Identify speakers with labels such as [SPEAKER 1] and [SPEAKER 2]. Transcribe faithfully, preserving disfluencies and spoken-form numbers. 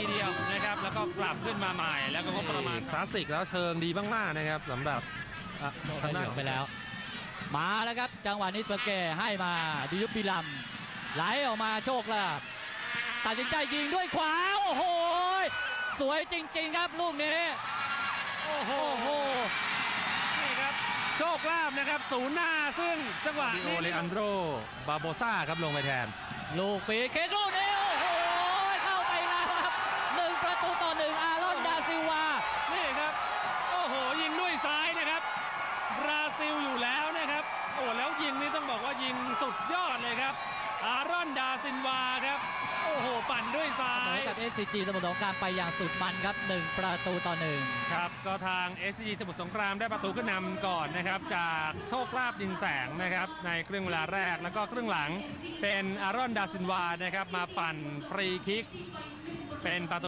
[SPEAKER 1] เดียวนะครับแล้วก็กลับขึ้นมาใหม่แล้วก็ประมาณ
[SPEAKER 2] คลาสสิกแล้วเชิงดีมากๆนะครับสำหรับ
[SPEAKER 3] ทางด้านไปแล้วมาแล้วครับจังหวะนี้เซอร์เกย์ให้มาดิยุบบิลัมไหลออกมาโชคลาภตัดสินใจยิงด้วยขวาโอ้โหสวยจริงๆครับลูกนี้
[SPEAKER 1] โอ้โหนี่ครับโชคลาภนะครับศูนย์หน้าซึ่งจังหวะ
[SPEAKER 2] ดิโอเลอันโดรบาโบซ่าครับลงไปแทน
[SPEAKER 3] ลูกฟรีเคิกลูกนี้โอ้โหเข้าไปแล้วครับหนึ่งประตูต่อหนึ่งอารอนดาซิลวา
[SPEAKER 1] นี่ครับโอ้โหยิงด้วยซ้ายนะครับบราซิลอยู่แล้วนะครับโอ้แล้วยิงนี่ต้องบอกว่ายิงสุดยอดเลยครับอารอนดาซิลวาครับโอ้โหปั่นด้วยซ้าย
[SPEAKER 3] กับ เอส ซี จี สมุทรสงครามไปอย่างสุดมันครับหนึ่งประตูต่อหนึ่ง
[SPEAKER 1] ครับก็ทาง เอส ซี จี สมุทรสงครามได้ประตูขึ้นนำก่อนนะครับจากโชคลาภดินแสงนะครับในครึ่งเวลาแรกแล้วก็ครึ่งหลังเป็นอารอนดาซิลวานะครับมาปั่นฟรีคิกเป็นประตู